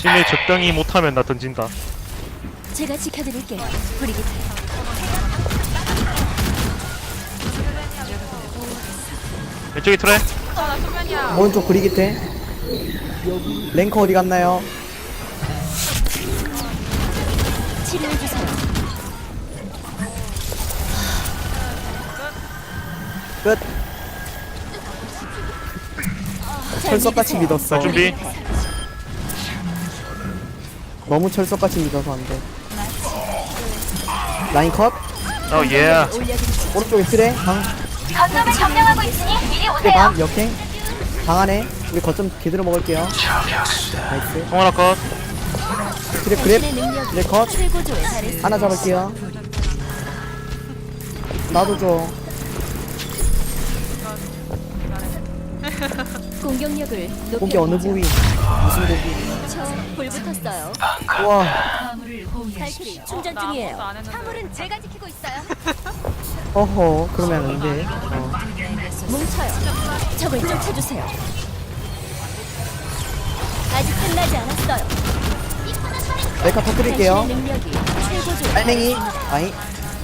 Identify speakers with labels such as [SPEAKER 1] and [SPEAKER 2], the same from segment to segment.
[SPEAKER 1] 심해 적당히 못하면 나 던진다.
[SPEAKER 2] 제가 지켜드릴게요. 브리기트.
[SPEAKER 1] 왼쪽에 트레.
[SPEAKER 3] 나 수면이야.
[SPEAKER 4] 오른쪽 브리기테. 랭커 어디 갔나요?
[SPEAKER 2] 치료해주세요.
[SPEAKER 4] 끝. 철석같이 믿었어.
[SPEAKER 1] 자, 준비.
[SPEAKER 4] 너무 철석같이 믿어서 안 돼. 라인 컷.
[SPEAKER 1] 어 예.
[SPEAKER 2] 올려드리죠.
[SPEAKER 4] 오른쪽에 트레. 방.
[SPEAKER 5] 거점을 점령하고 있으니 이리
[SPEAKER 4] 트레
[SPEAKER 5] 오세요.
[SPEAKER 4] 반. 역행. 방 안에. 우리 거점 제대로 먹을게요. 나이스.
[SPEAKER 1] 송 하나 컷.
[SPEAKER 4] 트레 그랩.
[SPEAKER 2] 당신의 능력이
[SPEAKER 4] 트레 컷.
[SPEAKER 2] 최고조에 달했습니다.
[SPEAKER 4] 하나 잡을게요. 나도 줘.
[SPEAKER 2] 공격력을
[SPEAKER 4] 고기 어느 부위? 무슨 고기?
[SPEAKER 2] 저불 붙었어요.
[SPEAKER 4] 우와.
[SPEAKER 2] 발키리 충전
[SPEAKER 3] 나 아무것도
[SPEAKER 2] 중이에요.
[SPEAKER 3] 안 했는데.
[SPEAKER 5] 화물은 제가 지키고 있어요.
[SPEAKER 4] 어허. 그러면 안 돼.
[SPEAKER 2] 뭉쳐요. 적을 쫓아주세요. 아직 끝나지 않았어요.
[SPEAKER 4] 메카 터뜨릴게요.
[SPEAKER 2] 당신의 능력이 최고조에
[SPEAKER 4] 빨랭이. 아이.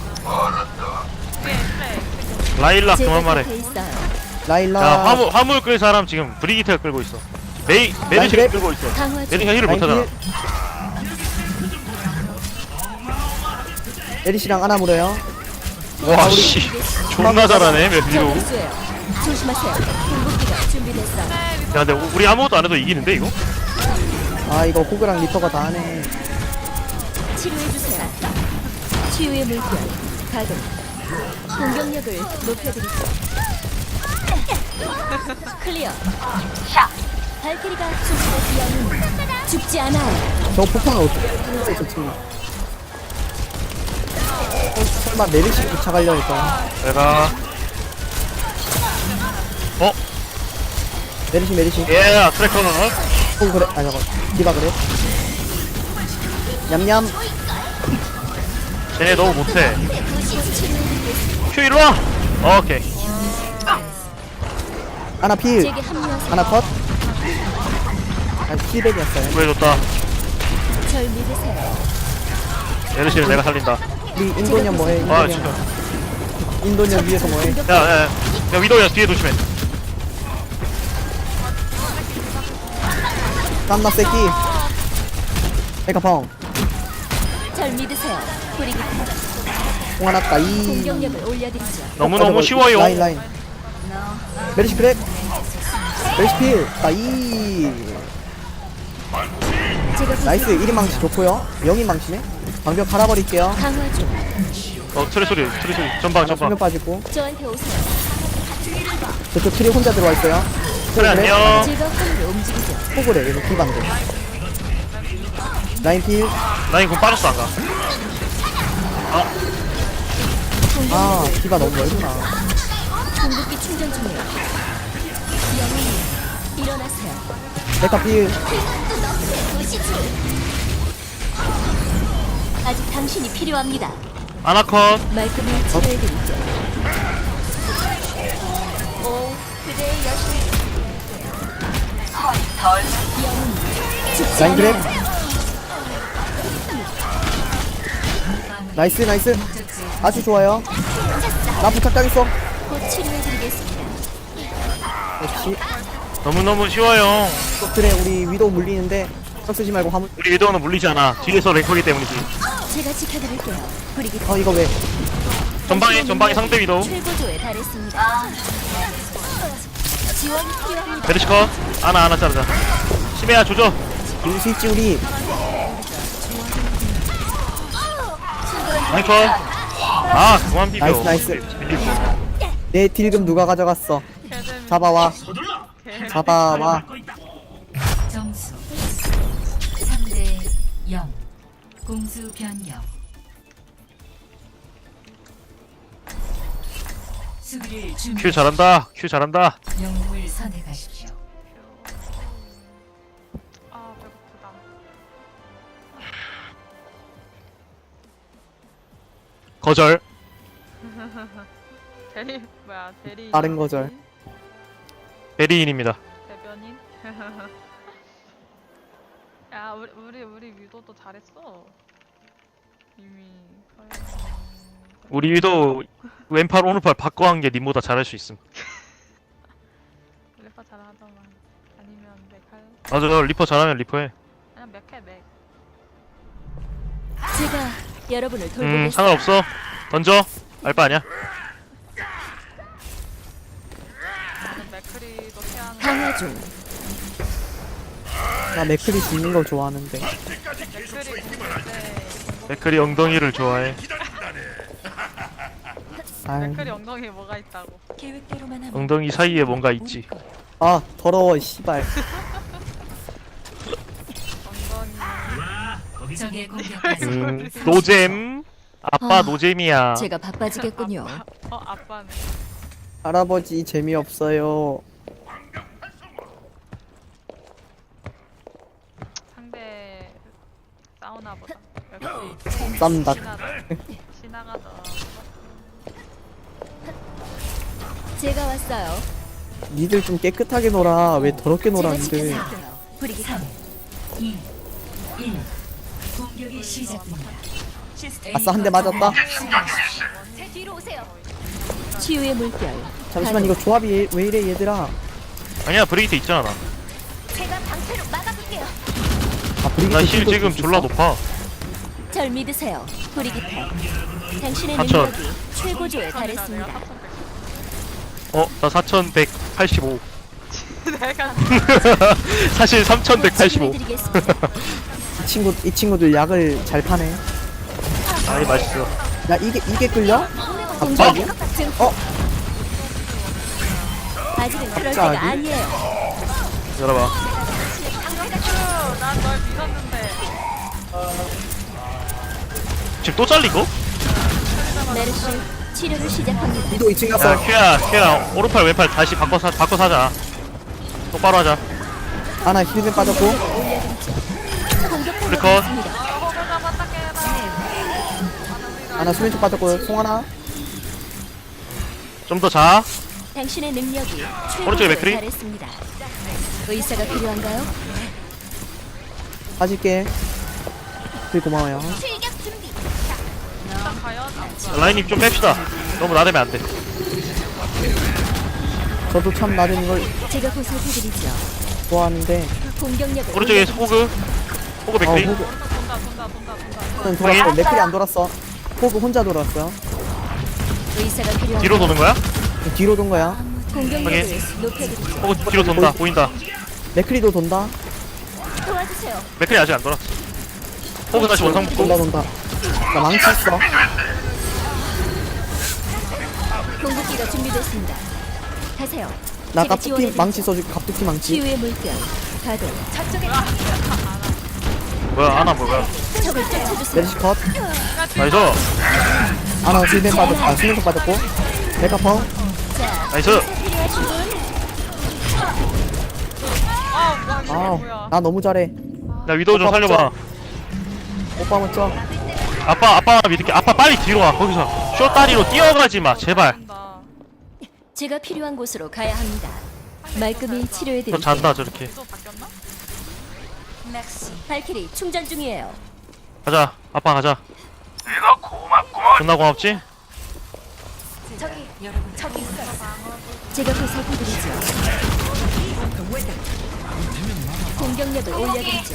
[SPEAKER 1] 라일락
[SPEAKER 2] 제가
[SPEAKER 1] 그만 말해.
[SPEAKER 2] 곁에 있어요.
[SPEAKER 4] 라일라.
[SPEAKER 1] 자 화물 끌 사람 지금 브리기트가 끌고 있어. 메리시가
[SPEAKER 4] 그래?
[SPEAKER 1] 끌고 있어.
[SPEAKER 2] 강화 중.
[SPEAKER 1] 메리시가 힐을 못하잖아.
[SPEAKER 4] 에리씨랑 하나 물어요.
[SPEAKER 1] 와 씨. 존나 잘하네 메리로.
[SPEAKER 2] 적을수예요. 조심하세요. 공격기가 준비됐어요.
[SPEAKER 1] 야 근데 우리 아무것도 안 해도 이기는데 이거?
[SPEAKER 4] 아 이거 호그랑 리퍼가 다 하네.
[SPEAKER 2] 치료해주세요. 치유의 물결 가동. 공격력을 높여드리죠. 클리어. 발키리가 준비됐으면 죽지 않아요.
[SPEAKER 4] 저 폭탄을 어떻게 쏘는데 저 친구. 설마 메리씨 쫓아가려 할까?
[SPEAKER 1] 내가
[SPEAKER 4] 메리씨.
[SPEAKER 1] 예 트래커는
[SPEAKER 4] 호그 그래. 아 저거. 디바 그래. 냠냠.
[SPEAKER 1] 쟤네 너무 못해. 큐 일로와. 오케이.
[SPEAKER 4] 하나 필.
[SPEAKER 2] 제게 합류하세요.
[SPEAKER 4] 하나 컷. 아 힐백이었어요.
[SPEAKER 1] 구해줬다.
[SPEAKER 2] 절 믿으세요.
[SPEAKER 1] 메리시는 내가 살린다.
[SPEAKER 4] 우리 인도년 뭐해?
[SPEAKER 1] 아
[SPEAKER 4] 인도년.
[SPEAKER 1] 진짜.
[SPEAKER 4] 인도년 위에서 뭐해?
[SPEAKER 1] 야야야 위도우야 뒤에 조심해.
[SPEAKER 4] 깜나 새끼. 메카 펑.
[SPEAKER 2] 절 믿으세요. 브리기트.
[SPEAKER 4] 홍하났다 이.
[SPEAKER 2] 공격력을 올려드리죠.
[SPEAKER 1] 너무너무 쉬워요.
[SPEAKER 4] 라인. 메리시 그래. 메리시 필. 나이.
[SPEAKER 2] 제가
[SPEAKER 4] 나이스 1인 망치 좋고요. 0인 망치네. 방벽 갈아버릴게요.
[SPEAKER 2] 강화 중.
[SPEAKER 1] 트레 소리 전방
[SPEAKER 4] 수면 빠지고.
[SPEAKER 2] 저한테 오세요.
[SPEAKER 4] 저쪽 트리 혼자 들어와 있어요.
[SPEAKER 1] 그래 안녕.
[SPEAKER 2] 제가 화물을 움직이죠.
[SPEAKER 4] 호그래 이거 기반대. 라인 필.
[SPEAKER 1] 라인 공 빠졌어 안가.
[SPEAKER 4] 아 기반 너무 멀구나.
[SPEAKER 2] 공격기 충전 중이에요. 영웅님, 일어나세요.
[SPEAKER 4] 메카 필.
[SPEAKER 2] 아직 당신이 필요합니다.
[SPEAKER 1] 아나컷.
[SPEAKER 2] 말끔히 치료해드리죠. 오, 그대의 여신. 영웅, 죽지
[SPEAKER 4] 라인 그래.
[SPEAKER 2] 않아요.
[SPEAKER 4] 나이스. 아주 좋아요. 나 부탁당했어.
[SPEAKER 2] 곧 치료해드리겠습니다.
[SPEAKER 4] 역시
[SPEAKER 1] 너무너무 쉬워요.
[SPEAKER 4] 또 트레 우리 위도우 물리는데 적 쓰지 말고 화물.
[SPEAKER 1] 우리 위도우는 물리지 않아. 뒤에서 랭커기 때문이지.
[SPEAKER 2] 제가 지켜드릴게요. 브리기트.
[SPEAKER 4] 이거 왜?
[SPEAKER 1] 전방에 상대 위도우.
[SPEAKER 2] 최고조에 달했습니다. 지원이 필요합니다.
[SPEAKER 1] 메리시컷. 하나 자르자. 심해야 조져.
[SPEAKER 4] 이길 수 있지 우리.
[SPEAKER 1] 랭컷. 아 그만 비벼.
[SPEAKER 4] 나이스. 내 딜금 누가 가져갔어? 잡아와. 잡아와.
[SPEAKER 6] 점수 3대 0 공수 변경 수비를 준비
[SPEAKER 1] 큐 잘한다.
[SPEAKER 6] 영웅을 선택하십시오.
[SPEAKER 3] 아 배고프다.
[SPEAKER 1] 거절.
[SPEAKER 3] 대리 뭐야 대리.
[SPEAKER 4] 다른 거절.
[SPEAKER 1] 베리인입니다.
[SPEAKER 3] 대변인. 야 우리 위도도 잘했어. 이미
[SPEAKER 1] 우리 위도 왼팔 오른팔 바꿔 한 게 님보다 잘할 수 있음.
[SPEAKER 3] 리퍼 잘하더만. 아니면 맥할.
[SPEAKER 1] 맞아, 리퍼 잘하면 리퍼 해.
[SPEAKER 3] 그냥 맥해 맥.
[SPEAKER 2] 제가 여러분을 돌보겠습니다.
[SPEAKER 1] 상관없어. 던져. 알바 아니야.
[SPEAKER 3] 나는 맥크리도 피하는.
[SPEAKER 2] 강화 중.
[SPEAKER 4] 나 맥클이 죽는 걸 좋아하는데.
[SPEAKER 3] 맥크리 공인데
[SPEAKER 1] 맥클이 엉덩이를 좋아해.
[SPEAKER 4] 아이,
[SPEAKER 3] 맥크리 엉덩이에 뭐가 있다고.
[SPEAKER 2] 계획대로만 하면
[SPEAKER 1] 엉덩이 사이에 뭔가 있지.
[SPEAKER 4] 아 더러워 씨발.
[SPEAKER 3] 엉덩이.
[SPEAKER 6] 적의 공격까지
[SPEAKER 1] 노잼. 아빠
[SPEAKER 2] 아,
[SPEAKER 1] 노잼이야.
[SPEAKER 2] 제가 바빠지겠군요.
[SPEAKER 3] 아빠는.
[SPEAKER 4] 할아버지 재미없어요.
[SPEAKER 3] 상대 사우나 보다. 역시
[SPEAKER 4] 쌈닭.
[SPEAKER 3] 지나가다.
[SPEAKER 2] 제가 왔어요.
[SPEAKER 4] 니들 좀 깨끗하게 놀아. 왜 더럽게 놀아
[SPEAKER 2] 제가
[SPEAKER 4] 니들.
[SPEAKER 2] 지켜드릴게요. 브리기트.
[SPEAKER 6] 3, 2, 1. 공격이 시작됩니다.
[SPEAKER 4] 아싸 한 대 맞았다.
[SPEAKER 5] 제 뒤로 오세요.
[SPEAKER 2] 치유의 물결.
[SPEAKER 4] 잠시만 이거 조합이 왜 이래 얘들아.
[SPEAKER 1] 아니야, 브레이트 있잖아. 나.
[SPEAKER 5] 제가 방패로 막아둘게요.
[SPEAKER 4] 아 브리기트
[SPEAKER 1] 나 힐
[SPEAKER 4] 킬도
[SPEAKER 1] 지금
[SPEAKER 4] 줄수
[SPEAKER 1] 졸라
[SPEAKER 4] 있어?
[SPEAKER 1] 높아.
[SPEAKER 2] 절 믿으세요. 브리기트. 당신의
[SPEAKER 1] 4,000.
[SPEAKER 2] 능력이 최고조에 달했습니다.
[SPEAKER 1] 나 4185.
[SPEAKER 3] 내가
[SPEAKER 1] 사실 3185.
[SPEAKER 2] 치료해드리겠습니다.
[SPEAKER 4] 이 친구들 약을 잘 파네.
[SPEAKER 1] 아이, 맛있어.
[SPEAKER 4] 야 이게 끌려?
[SPEAKER 2] 공격이
[SPEAKER 4] 갑자기?
[SPEAKER 2] 증. 아직은 그럴 때가
[SPEAKER 4] 갑자기?
[SPEAKER 2] 아니에요.
[SPEAKER 1] 열어봐.
[SPEAKER 3] 난 널 믿었는데.
[SPEAKER 1] 지금 또 잘리고?
[SPEAKER 2] 메르시 치료를 시작합니다.
[SPEAKER 4] 위도 2층
[SPEAKER 1] 야,
[SPEAKER 4] 갔어.
[SPEAKER 1] 큐야, 오른팔, 왼팔 다시 바꿔 사자. 똑바로 하자.
[SPEAKER 4] 아나 힐맨 빠졌고.
[SPEAKER 2] 올려드리죠. 공격하고
[SPEAKER 1] 블리컷.
[SPEAKER 2] 있습니다.
[SPEAKER 3] 호구 잡았다 깨라.
[SPEAKER 4] 아나 수면총 빠졌고. 송하나.
[SPEAKER 1] 좀 더 자.
[SPEAKER 2] 당신의 능력이
[SPEAKER 1] 오른쪽에
[SPEAKER 2] 최고조에
[SPEAKER 1] 맥크리?
[SPEAKER 2] 달했습니다. 의사가 필요한가요?
[SPEAKER 4] 빠질게. 되게 고마워요.
[SPEAKER 5] 출격 준비.
[SPEAKER 3] 일단 과연
[SPEAKER 1] 라인님 좀 뺍시다. 너무 나대면 안 돼.
[SPEAKER 4] 저도 참 나름 이걸
[SPEAKER 2] 제가 보살펴드리죠.
[SPEAKER 4] 좋아하는데.
[SPEAKER 2] 공격력을
[SPEAKER 1] 오른쪽에
[SPEAKER 2] 올려드리죠.
[SPEAKER 1] 호그 맥크리.
[SPEAKER 4] 호그
[SPEAKER 3] 돈다.
[SPEAKER 4] 돌았어. 맥클이 안 돌았어. 호그 혼자 돌았어요.
[SPEAKER 2] 의사가 필요한가요?
[SPEAKER 1] 뒤로 도는 거야?
[SPEAKER 4] 뒤로 돈 거야.
[SPEAKER 2] 공격력을
[SPEAKER 1] 확인.
[SPEAKER 2] 높여드리죠.
[SPEAKER 1] 호그 뒤로 돈다. 보인다.
[SPEAKER 4] 맥클이도 돈다.
[SPEAKER 2] 도와주세요.
[SPEAKER 1] 맥크리 아직 안 돌았어. 호그 다시 원상
[SPEAKER 4] 돈다
[SPEAKER 1] 붙고.
[SPEAKER 4] 돈다. 나 망치 있어.
[SPEAKER 2] 공격기가 준비됐습니다. 가세요.
[SPEAKER 4] 나
[SPEAKER 2] 제가
[SPEAKER 4] 갑툭튀
[SPEAKER 2] 지원해드리죠.
[SPEAKER 4] 망치 써줄게. 갑툭튀 망치.
[SPEAKER 2] 치유의 물결. 가동.
[SPEAKER 5] 저쪽에
[SPEAKER 1] 뭐야, 아나 뭐야.
[SPEAKER 2] 적을 쫓아주세요.
[SPEAKER 4] 메리시 컷.
[SPEAKER 1] 나이스.
[SPEAKER 4] 아나 힐맨 빠졌고. 아 수면총 빠졌고. 메카펑.
[SPEAKER 2] 자,
[SPEAKER 1] 나이스.
[SPEAKER 2] 필요하신 분?
[SPEAKER 4] 아우
[SPEAKER 3] 뭐야?
[SPEAKER 4] 나 너무 잘해.
[SPEAKER 1] 야, 위도우 좀 살려봐.
[SPEAKER 4] 오빠 먼저.
[SPEAKER 1] 아빠 믿을게. 아빠 빨리 뒤로 와. 거기서 쇼다리로 뛰어가지 마. 제발.
[SPEAKER 3] 돈다.
[SPEAKER 2] 제가 필요한 곳으로 가야 합니다. 말끔히
[SPEAKER 1] 저
[SPEAKER 2] 치료해드릴게요.
[SPEAKER 1] 잔다, 저렇게.
[SPEAKER 3] 또 바뀌었나?
[SPEAKER 2] 발키리 충전 중이에요.
[SPEAKER 1] 가자. 아빠 가자. 존나 고맙지?
[SPEAKER 5] 저기 있어요.
[SPEAKER 2] 제가 보살펴드리죠. 공격력을 올려드리죠.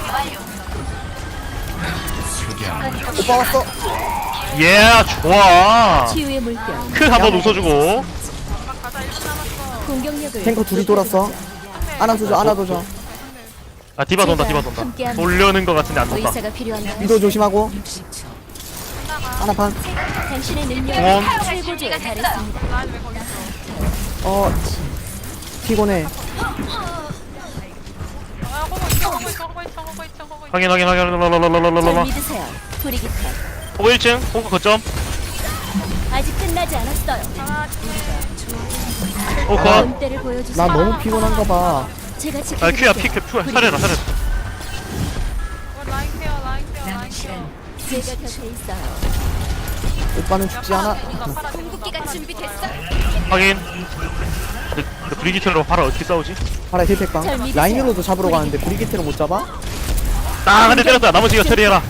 [SPEAKER 4] 오빠 왔어.
[SPEAKER 1] 예, 좋아.
[SPEAKER 2] 치유의 물결.
[SPEAKER 1] 크 한번 웃어주고.
[SPEAKER 3] 가자 1분 남았어.
[SPEAKER 2] 공격력을
[SPEAKER 4] 탱커 둘이 돌았어. 아나 도줘. 아나 도줘.
[SPEAKER 1] 아, 디바 돈다. 돌려는 거 같은데 안 돈다.
[SPEAKER 2] 의사가 필요한가요?
[SPEAKER 4] 위도 조심하고.
[SPEAKER 6] 60초.
[SPEAKER 4] 아나 반.
[SPEAKER 2] 당신의 능력이
[SPEAKER 1] 원.
[SPEAKER 2] 최고조에 달했습니다.
[SPEAKER 3] 라인 왜 거기 있어?
[SPEAKER 4] 피곤해.
[SPEAKER 3] 아 호구 있어.
[SPEAKER 1] 확인.
[SPEAKER 2] 절 믿으세요. 브리기트.
[SPEAKER 1] 호그 1층. 호그 거점.
[SPEAKER 2] 아직 끝나지 않았어요.
[SPEAKER 1] 호그 컷.
[SPEAKER 2] 본때를 보여주세요.
[SPEAKER 4] 나 너무 피곤한가 봐.
[SPEAKER 2] 제가
[SPEAKER 1] 아,
[SPEAKER 2] 지켜드릴게요.
[SPEAKER 1] 큐야, 살려라.
[SPEAKER 3] 라인 케어.
[SPEAKER 6] 남은 시간
[SPEAKER 2] 제가 곁에 있어요.
[SPEAKER 4] 오빠는 죽지 않아.
[SPEAKER 5] 궁극기가 준비됐어.
[SPEAKER 1] 확인. 근데 브리기트로 파라 어떻게 싸우지?
[SPEAKER 4] 파라 힐팩방.
[SPEAKER 2] 잘 믿으세요.
[SPEAKER 4] 라인으로도 잡으러 가는데 브리기트를 못 잡아?
[SPEAKER 1] 딱 한 대 때렸다. 나머지가 처리해라.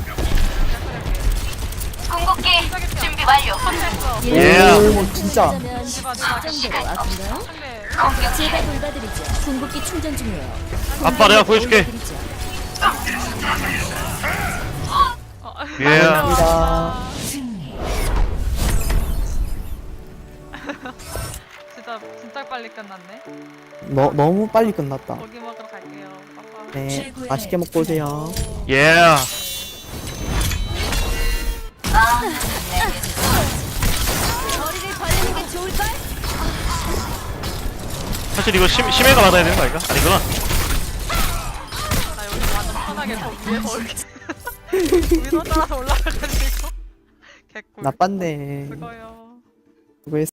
[SPEAKER 1] 예.
[SPEAKER 4] 오 진짜
[SPEAKER 2] 그러면 정도로 아픈가요?
[SPEAKER 3] 상대
[SPEAKER 2] 제가 돌봐드리죠. 궁극기 충전 중이에요.
[SPEAKER 1] 아빠 내가 구해줄게.
[SPEAKER 2] 올려드리죠.
[SPEAKER 1] 예.
[SPEAKER 4] 감사합니다.
[SPEAKER 6] 승리.
[SPEAKER 3] 진짜 빨리 끝났네.
[SPEAKER 4] 너무 빨리 끝났다.
[SPEAKER 3] 고기 먹으러 갈게요. 빠빠.
[SPEAKER 4] 네 맛있게 먹고 오세요.
[SPEAKER 1] 예.
[SPEAKER 5] 머리를 벌리는 게 좋을걸?
[SPEAKER 1] 사실 이거 심해가 받아야 되는 거 아닌가? 아니구나.
[SPEAKER 3] 나 여기 완전 편하게 저 위로 따라서 올라가가지고 개꿀.
[SPEAKER 4] 나빴네.
[SPEAKER 3] 그거요.
[SPEAKER 4] 수고했어.